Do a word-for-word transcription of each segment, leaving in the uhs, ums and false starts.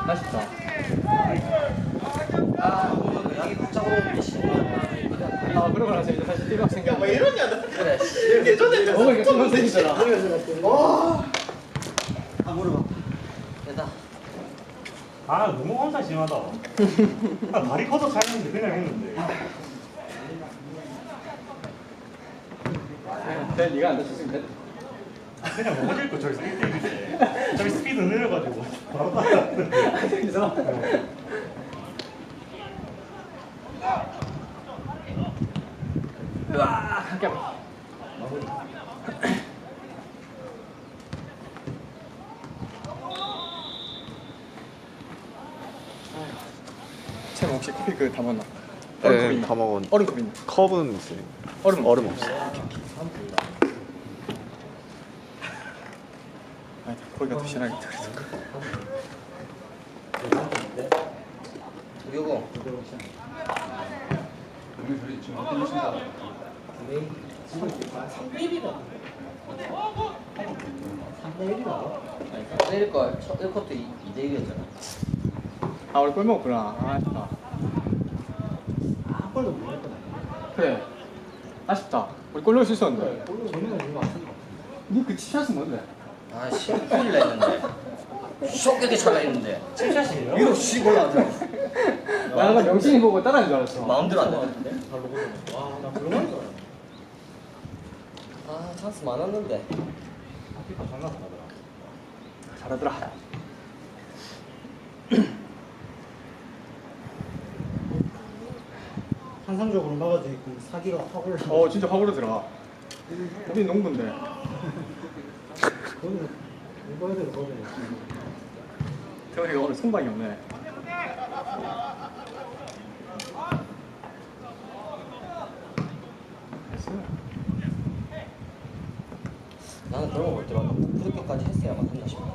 아쉽다. 아, 뭐 양이 복잡으로 오는 씨. 아 그러고 나서 이제 다시 띠박 생겨. 야, 왜 이러냐, 너. 그래. 예전에 어 이거 띠박 생기잖아. 와. 아, 물어봐. 됐다. 아 너무 혼자 심하다. 아, 다리 커서 살는데 그냥 했는데. 네, 네가 안 다쳤으면 됐다. 그냥 넘어질 거 저기 스피드 저기 스피드 느려가지고 바로 따라갔는데. 그래서 으아 함께 마무리. 쟤 혹시 커피 그 다 먹나? 얼음컵 네, 있나? 다 먹었. 얼음컵 있나? 컵은 있어요. 얼음 얼음 없어. 아, 거기가 더 신나겠다. 요거. 때릴 걸. 첫 일 컷도 이 대 일이었잖아. 아, 우리 꿀 먹었구나. 아, 아쉽다. 한 번도 못 했거든. 그래. 아쉽다. 우리 골 넣을 수 있었는데. 저는 이거 안 쓴다. 니그 치샷은 뭔데? 아, 씨. 큰일 났는데. 쇼크게 차가 있는데. 칠샷이에요? 위로 씩 올라가더라고. 나 아까 명신이 보고 따라하는 줄 알았어. 마음대로 안 되는데. 발로 보는 거. 와, 나 그런 줄 알았어. 아, 찬스 많았는데. 피파 장난 안 하더라. 잘하더라. 환상적으로 막아져 있고 사기가 확 올라. 어, 진짜 확 오르더라. 우리 농구인데. 그거는 이거 해야 돼, 이거 해야 돼. 태원이가 오늘 손방이 없네. 나는 그런 거 볼 때마다 그렇게까지 했어야만 한다 싶어.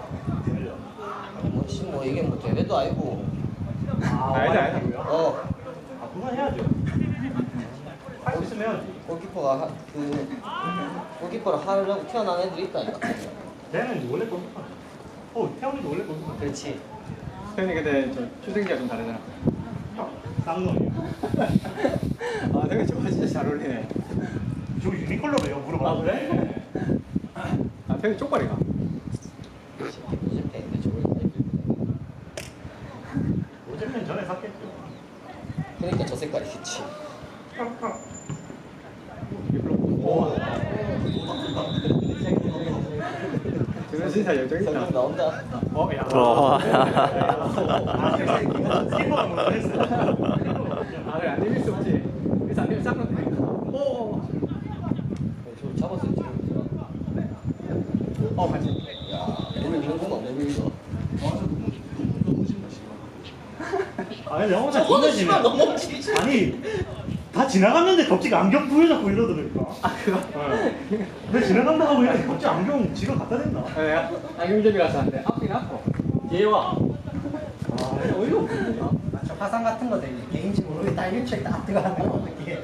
뭐, 씨, 뭐, 이게 뭐, 대회도 아니고. 아, 알다, 알다. 어, 아 그건 해야죠. 할 수 있으면 해야지. 골키퍼가, 하, 그, 골키퍼를 하려고 태어난 애들이 있다니까. 쟤는 원래 골키퍼. 어 태훈이도 원래 골키퍼. 그렇지. 태원이 근데 좀 출생기가 좀 다르잖아. 쌍놈이야. 아, 태원이 저거 진짜 잘 어울리네. 저기 유니컬러래요 물어봐. 아, 그래? 아, 태원이 쪽발이가. 요즘 때인데 저걸 많이 들고 어쨌든 전에 샀겠죠. 그러니까 저 색깔이겠지. 오. 저는 진짜 열정 있다. 성공 나온다. 어, 야. 와. 스키퍼가 먼저 했어요. 아, 그래, 안 이길 수 없지. 그래서 안 되면 싹 넣는다. 오. 저걸 잡았을 줄. 어, 같이. 야, 오늘 이런 건 없네, 이거. 아니 영어 잘 저거는 못하시네. 씨발 넘어지지. 아니 다 지나갔는데 갑자기 안경 부여잡고 이러더라니까. 아, 그거? 네. 왜 지나간다 하고 이러는데 갑자기 안경 지가 갖다 댄다. 네, 안경제비라서 안 돼. 앞이긴 앞어. 뒤에 와. 아 어이가 없네. 저 화상 같은 거 되게 개인지 모르겠다. 일주일 딱 들어가는 거 어떻게.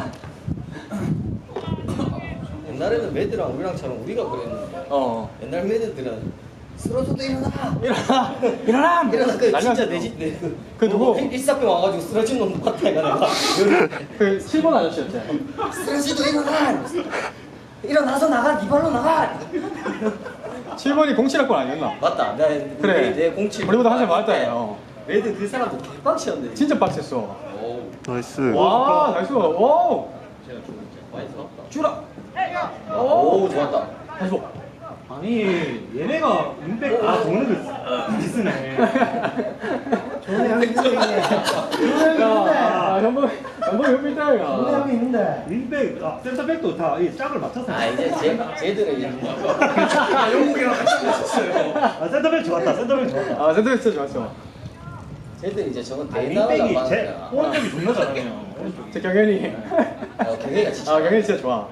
옛날에는 매드랑 우리랑처럼 우리가 그랬는데. 어. 옛날 매드들은 쓰러져도 일어나. 일어나! 일어나! 일어나. 그 난리 진짜 났어. 내지 내 그. 그 누구? 일사병 와가지고 쓰러진 놈 봤다 이가 내가. 그 칠 번 아저씨였지? 쓰러져도 일어나. 일어나서 나가. 네 발로 나가. 칠 번이 공칠학번 아니었나? 맞다. 내 그래. 내 공칠. 우리보다 한살 많았다, 요. 매드 그 사람도 개빡치였네. 진짜 빡셌어. 오. 나이스. 와, 나이스. 오! 제가 좀 많이 들었다. 주라! 오, 좋았다. 다시 봐. 아니 얘네가 임팩 아 돈을 비쓰네. 좋은 형이 있는데. 좋은 형이 야, 있는데. 아, 전부, 전부 좋은 현실자야. 형이 있는데. 임팩 아 센터백도 다이 짝을 맞춰서. 아 이제 제 쟤들은 이제 아, 영국이랑 같이 했었어요. 아 센터백 좋았다. 센터백 좋았다. 아, 센터 진짜 좋았어. 쟤들 이제 저건 아 대나라가 임팩이 제 많잖아. 오른쪽이 존나 잘하네요. 오른쪽이. 제 경현이. 어, 경혜가 진짜. 아, 경현이 진짜 좋아.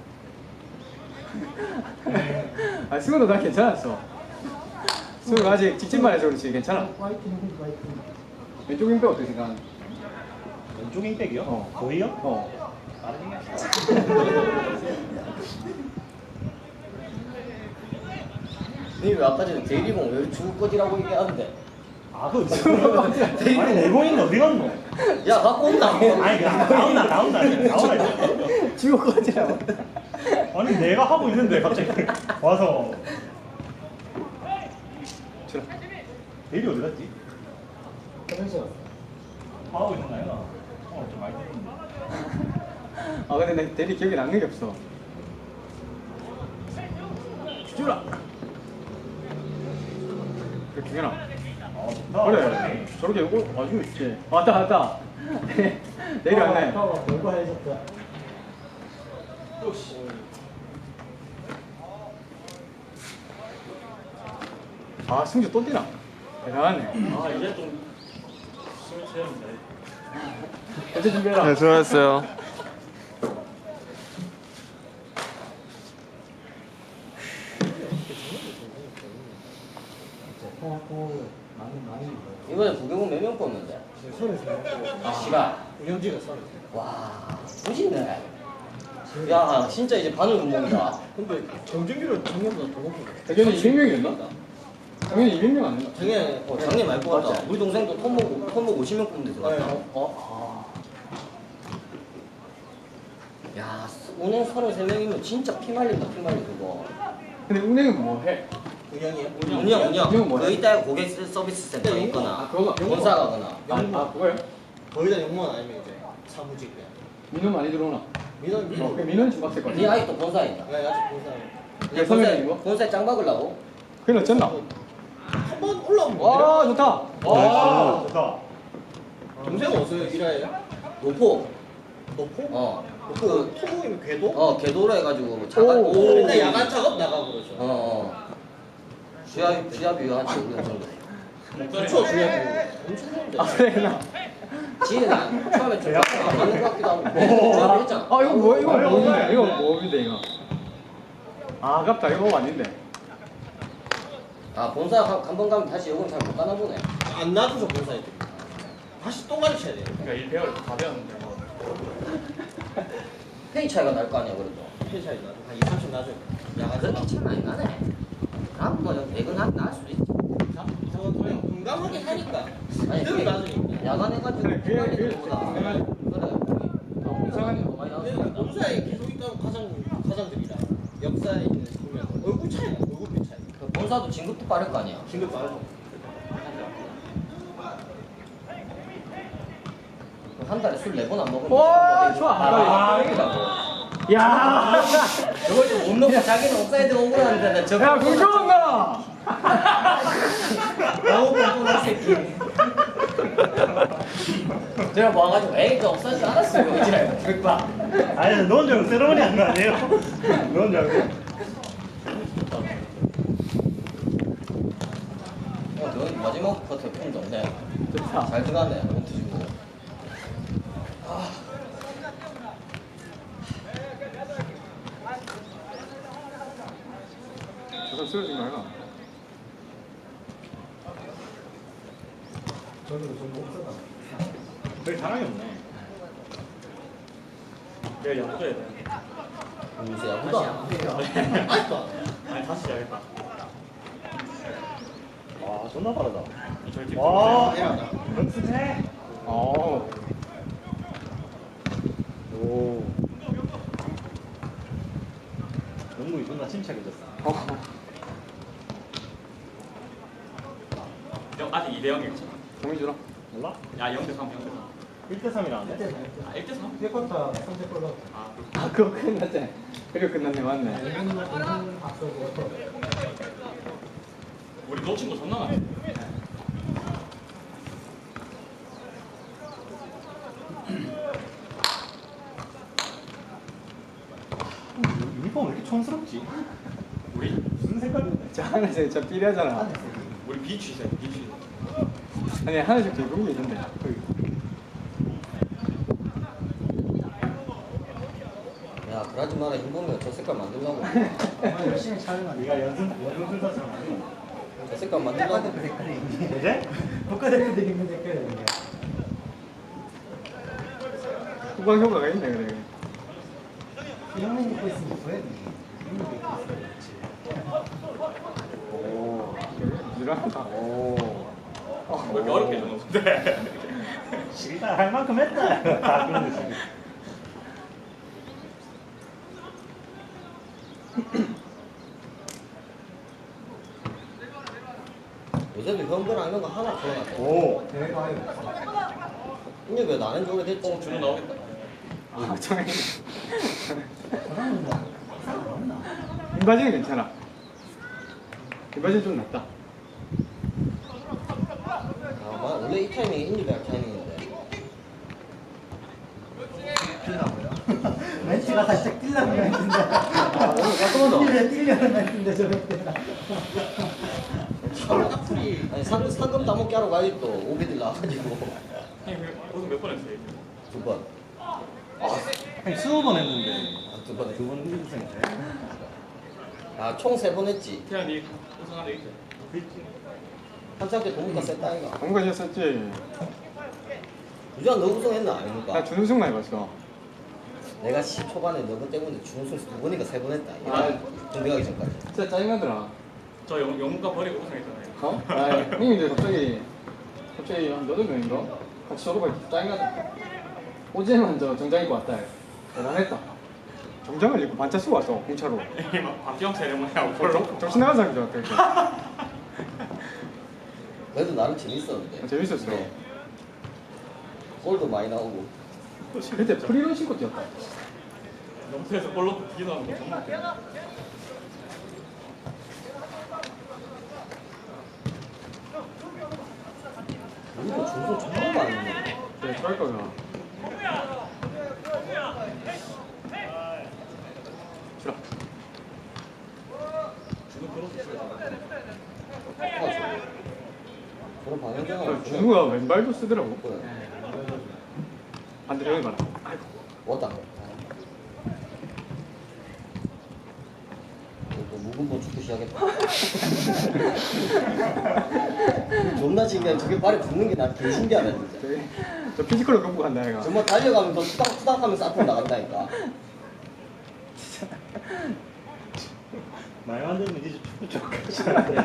아, 승우도 난 괜찮았어. 승우가 아직 직진만 해서 그렇지 괜찮아. 화이팅, 화이팅. 왼쪽 윙백 어떻게 생각하는? 왼쪽 임팩이요? 어. 거의요? 어. 니 왜 아까 전에 대리공 왜 죽을 거지라고 얘기하는데? 아, 그 아니 내공인데 어디 갔노? 야 갖고 온다. 아니 나- 나온다 나온다 나온다. 지고 꺼지라고. 아니 내가 하고 있는데 갑자기 와서 주라. 내일이 어디 갔지? 그래서 하고 있는 거 아니야? 어좀 많이 됐는데. 아 근데 내 대리 기억에 남는 게 없어. 주라. 그래 기현아. 어 좋다. 그래. 저렇게 이거 아주 있지. 왔다 왔다. 내리 왔네. 별거 해줬다. 아 승주 또 뛰나? 대단하네. 아 이제 좀 숨을 쉬면 돼. 어제 준비해라. 네, 수고하셨어요. 통합고 많이 많이 이번에 부경은 몇 명 뽑는데? 아 씨발. 운영지가 서로. 와 멋있네. 야 진짜 이제 바늘 구멍이다. 근데 정준기를 작년보다 더 높은 거. 작년에 이백 명이었나? 작년에 이백 명 안 했나? 작년에 어, 작년에 많이 뽑았다. 우리 동생도 톱목 톱목 오십 명 뽑는 데서 갔다. 네. 어? 야 운행 서른세 명이면 진짜 피 말린다 피 말린 그거. 근데 운행은 뭐 해? 운영이요? 운영 운영 운영. 뭐야? 그 이따 고객 서비스 센터 네, 있거나 아 그거가 본사 가거나. 아, 아 그거요? 거의 다 영무원 아니면 이제 사무직 그냥. 민원 많이 들어오나? 민원 어, 민원. 그 민원 좀 빡셀 것 네 같아. 아직도 본사에 있나? 네 아직 본사. 네, 선배님 본사에 이거? 본사에 짱 박으려고? 그건 어쨌나? 한번 올라오면 와 좋다. 아 좋다. 동생 어디서 일해요? 노포. 노포? 어. 그 토목이면 궤도? 어 궤도로 해가지고 자가. 오. 맨날 야간 작업 나가고 그러죠. 어. 어. 주야 주야비 한 오년 정도. 그쵸 주야 엄청 좋은데. 아 그래 나. 지혜는 처음에 좀 안 맞는 것 같기도 하고. 오. 주야비 했잖아. 아 이거 뭐 이거 아유, 뭐인데? 아유. 이거 뭐인데 이거? 아 아깝다 이거 아닌데. 아 본사 한 번 가면 다시 요금 잘 못 가나 보네. 안 놔줘서 본사에. 다시 또 가르쳐야 돼요. 그러니까 일 배울 다 배웠는데 뭐. 페이 차이가 날 거 아니야 그래도. 회 차이 나죠. 한 이, 삼십 나죠. 야 그렇게 차이 많이 나네. 그럼 뭐 내건 나을 수도 있지. 저건 그냥 공감하게 하니까. 아니 그대로 나중에. 야간 해가지고 그래, 그게- 빨리 그게 들어보다. 공감하지. 그래. 이상한 거 많이 근데 나왔어. 본사에 계속 있던 과장 과장들이라 역사에 있는 보면 얼굴 차이 나. 얼굴 차이. 그 본사도 진급도 빠를 거 아니야. 진급 빠르죠. 한 달에 술 네 번 안 먹으면 와, 진급도 좋아. 되고. 아, 이기라고. 야. 저걸 좀 못 넣고 자기는 옵사이드 억울한데 나 저거 야 공정한가? 너무 뻔뻔한 새끼. 제가 뭐 와가지고 에이 저 옵사이드 알았어요 이지랄 그봐. 아니 넌 줄 알고 세레머니 한 거 아니에요? 넌 줄 알고. 어, 너 마지막 커트 좀 좋네. 좋다. 잘 들어가네. 홈트 주고. 저거 쓰러진 거 아이가? 저는 좀 못하다. 별 자랑이 없네. 내가 연구해야 돼. 무슨 야구도 안 해. 아직도 아니 다시 해야겠다. 와 존나 빠르다. 아, 와 이러다. 연습해. 어. 오. 영국이 존나 침착해졌어. 어. 영 아직 이 대 영이었잖아. 동의 주라. 몰라? 야 영 대 삼, 영 대 삼. 일 대 삼이라는데? 아 일 대 삼? 세 쿼터 삼 대 골로. 아 아 그거 끝났지. 그리고 끝났네 맞네. 앞서고 또. 우리 놓친 거 존나 많네. 유니폼 왜 이렇게 촌스럽지? 우리 무슨 색깔인데? 저 하늘색 저 삐리하잖아. 우리 비취세 비취. 아니 하늘색 저 그런 게 있는데. 거기. 야 그러지 마라 힘 보면 저 색깔 만들려고. 열심히 촬영하네. 네가 연습 연습 순서처럼 아니야? 저 색깔 만들려고. 색깔이. 그제? 국가대표들 입는 색깔이야. 후방 효과가 있네 그래. 형님 입고 있으면 보여야 돼. 오. 유라하다. 오. 왜 이렇게 어렵게 해줬는데? 일단 할 만큼 했다. 다 그런 거지. 요새도 현금랑 이런 거 하나 풀어놨어. 오. 대회가 아니고. 근데 왜 나는 지 오래됐지? 어, 준우 나오겠다. 아 정말 사람은 뭐 사람 없나? 김바지는 괜찮아. 김바지는 좀 낫다. 아, 맞아. 원래 이 타이밍이 인디배할 타이밍인데. 뛰려고요? 멘트가 살짝 뛰려는 멘트인데. 아 오늘 깔끔하다. 뛰려 뛰려는 멘트인데 저 멘트가. 아니 상금 상금 따먹기 하러 가야지 또 오비들 나와가지고 형님 우승 몇 번 했어요? 두 번. 한 스무 번 했는데 아, 두 번에 두번 우승했어요. 아총 세 번 했지. 태양 니 우승한 적 있지? 그랬지. 한참 때 동문가 셌다 아이가. 뭔가 했었지. 유전 너 우승했나 나 아닙니까? 준우승만 해봤어. 내가 시 초반에 너번 때문에 준우승 두 번인가 세 번 했다. 아. 이거 준비 가기 전까지. 진짜 짜증나더라. 저 영, 영문과 버리고 우승했잖아요. 어? 아, 형님 이제 갑자기 갑자기 한 여덟 명인가? 같이 졸업할 때 짜증나더라. 어제만 저 정장 입고 왔다. 대단했다. 정장을 입고 반차 쓰고 왔어 공차로. 박경 세레모니하고 볼로. 정- 정신 나간 사람인 줄 알았다. 그래도 나름 재밌었는데. 아, 재밌었어. 네. 골도 많이 나오고. 그때 프리런 신고 뛰었다. 영수에서 볼로 기도하는 거 정말 웃겨. 우리도 준우승 정말 많이 했는데. 그래, 트라이커가. 주라. 준우 그런 거 있어요. 저런 방향장을 아, 준우가 왼발도 쓰더라고. 그래. 반대로 형이 봐라. 아이고. 왔다. 또 묵은본 축구 시작했다. 존나 신기한 저게 발에 붙는 게 난 개 신기하다 진짜. 저기, 저 피지컬로 끌고 간다 얘가. 정말 달려가면서 투닥투닥 하면서 앞으로 나간다니까. 말 만들면 이제 축구 쪽까지.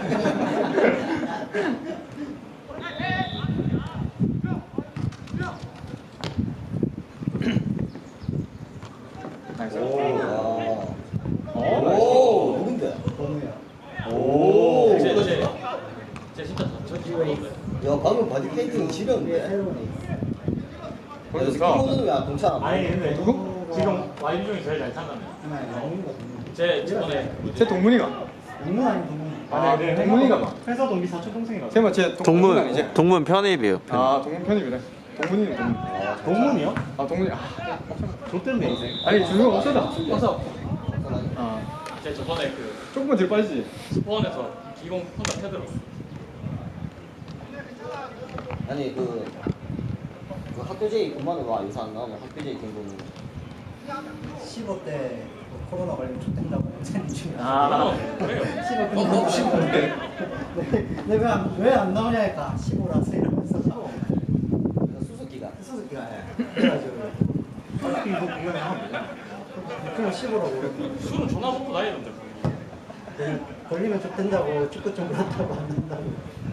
나이스. 오. 어? 오. 누군데? 번우야. 오. 제, 제, 제 진짜 저 기분인데. 야 방금 바디 페인팅 지렸는데. 새로운 애. 그래서 키보드는 왜안 동차 안 아니 해? 근데 누구? 지금 와인 중에 제일 잘 찬다며. 하나 영문가 동문. 제 저번에 제 동문이가. 영문 아닌 동문. 아, 네, 동문이가 봐. 회사 동기 사촌 동생이가. 세마 제 동문 아니지? 동문 편입이에요. 편입. 아 동문 편입이래. 동문이는 동문. 동문이요? 아 동문이. 아 좋던데 인생. 아니 준우가 없어다. 없어. 아 제 저번에 그 조금만 뒤로 빠지지. 스포원에서 기공 혼자 패들었어. 아니 그, 그 학교제이 그만은 와 요새 안 나오면 학교제이 등록은 십오 때 코로나 걸리면 촉된다고 쟤는 중에. 아 그래요. 십오 어, 너 십오인데? 내가 왜 안 나오냐 했다. 십오라서 이러면서. 수수기가 수수께끼가 해. 그래가지고. 이거 구경을 하면 되잖아. 그럼 십오라고 그랬고. 술은 존나 먹고 다니던데. 걸리면 촉된다고 축구 좀 그렇다고 안 된다고.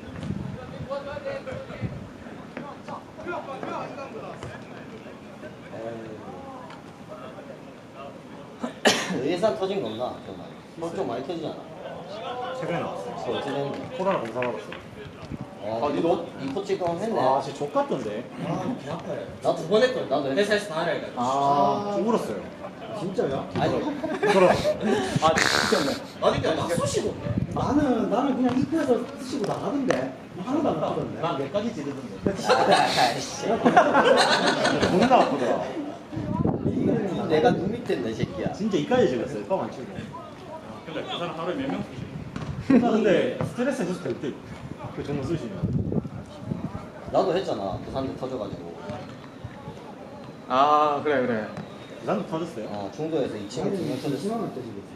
너 예산 터진 거 없나? 좀 많이 좀 많이 터지잖아. 최근에 나왔어요. 그거 어떻게 됐는데? 코로나 공사 받았어. 아, 아, 이거 이코 찍고 했네. 아 진짜 족 같던데. 개 아파요. 나도 두 번 했거든. 나도 회사에서 다 하라니까. 아. 좀 울었어요. 진짜야? 아니, 그럼 아 진짜. 아니까 막 쑤시고. 나는 나는 그냥 입구에서 쓰시고 나가던데 하나도 안 아프던데. 난몇 가지 지르던데. 아이씨. 존나 아프더라. 내가 눈 밑에 있네, 새끼야. 진짜 이까지 지렸어요. 껌 안 치고. 근데 그 사람 하루에 몇 명 쓰지? 나 근데 스트레스 해소도 될 듯. 그 정도 쓰시면. 나도 했잖아. 부산대 터져가지고. 아 그래 그래. 나도 터졌어요. 어, 중도에서 이 친구 두명 터졌어. 심하면 터지겠지.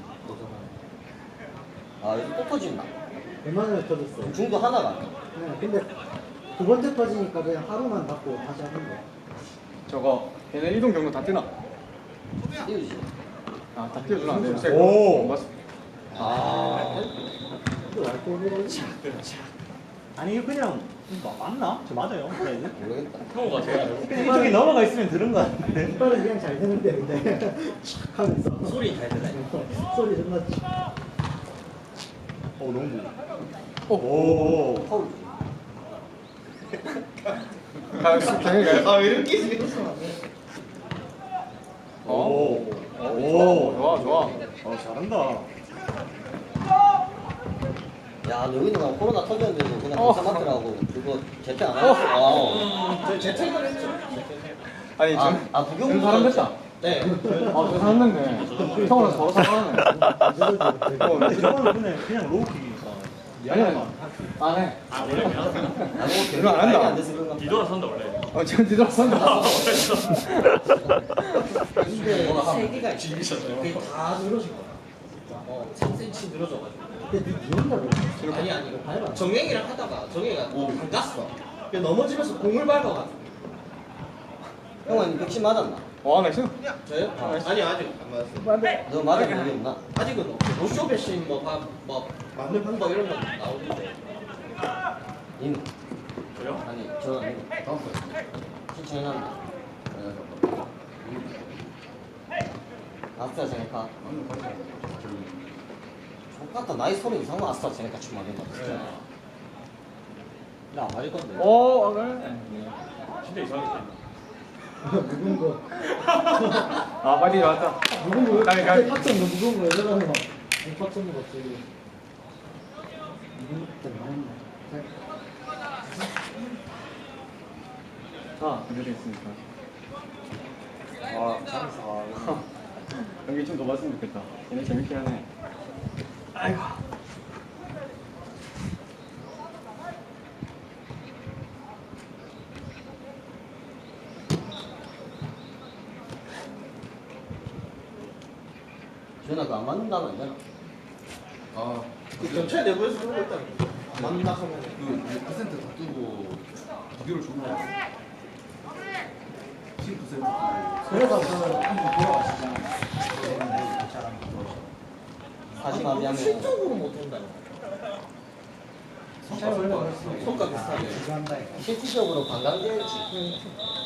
아, 이거 또 터진다. 얼마나 터졌어? 중도 하나가 안 나. 네, 근데 두 번째 터지니까 그냥 하루만 받고 다시 하는 거야. 저거 걔네 이동 경로 다 뜨나? 띄우지. 아다 띄워주나? 네, 요새 오. 맞. 아, 이거 알코올 먹어. 아니 이거 그냥 마- 맞나? 저 맞아요? 사이즈? 모르겠다. 형우가 제일 잘 그냥 이쪽에 넘어가 있으면 들은 거 같은데. 이빨은 그냥 잘 되는데 근데 촥 하면서 소리 잘 들어요. 소리 존나 어 너무. 오. 오. 파울. 가, 당연히 가요. 아왜 이렇게 지금? 어? 오. 오. 오. 좋아, 좋아. 어 잘한다. 야, 너희는 코로나 터졌는데도 그냥 어. 검사 맡으라고 그거 재택 안 하고. 저 재택을 했죠. 아니, 아, 저, 아 부경 전 사람 됐다. 네. 아, 저 사람 됐네. 형으로 서로 사과하네. 어, 저거는 그냥 그냥 로우킥이니까. 아니, 아니. 안 해. 아 원래 그냥 아, 뭐 이거 안 한다. 안 돼서 그런가? 뒤돌아 선다 원래. 어, 지금 뒤돌아선다. 근데 세 개가 있어. 지기셨어요. 그게 다 늘어진 거야. 어, 삼 센티미터 늘어져가지고. 근데 니 비운다 그래 아니 아니 이거 정행이랑 하다가 정행이가 안 갔어. 그래서 넘어지면서 공을 밟아가지고. 형은 백신 맞았나? 와, 나 지금. 저요? 아니 아직 안 맞았어요. 너 맞은 적이 없나? 아직은 없어. 노쇼 배신 뭐, 바, 뭐 맞는 방법 이런 거 나오는데. 님 저요? 아니 저 아니고 다음 거 신청해놨나? 아스트라제네카. 똑같다. 나이 서른 이상만 아스트라제네카 춤 맞는 거 같아. 나안 맞을 건데. 오, 어, 그래. 진짜 이상하게. 무거운 거 아, 빨리 왔다. 무거운 거 가위, 가위. 팍 쳤는 거 무거운 거 여자라는 거팍 쳤는 거 같지 무거운 거 많았네 자, 준비되겠습니까? 아 잘했어. 연기 좀 더 봤으면 좋겠다. 얘네 재밌긴 하네. 아이고. 지현아 그거 안 맞는다면 안 되나? 아, 그 경찰 내부에서 그런 거 있다는 거. 안 맞는다 하면. 그 퍼센트 더 뜨고 비교를 주는 거야. 십 퍼센트 뜨고. 그래서 그 한번 돌아가시잖아 하지만 미안해. 실적으로 못 한다는 거. 잘 원래 그랬어 손가 비슷하게. 이거 한다 이거 실질적으로 관광객이지.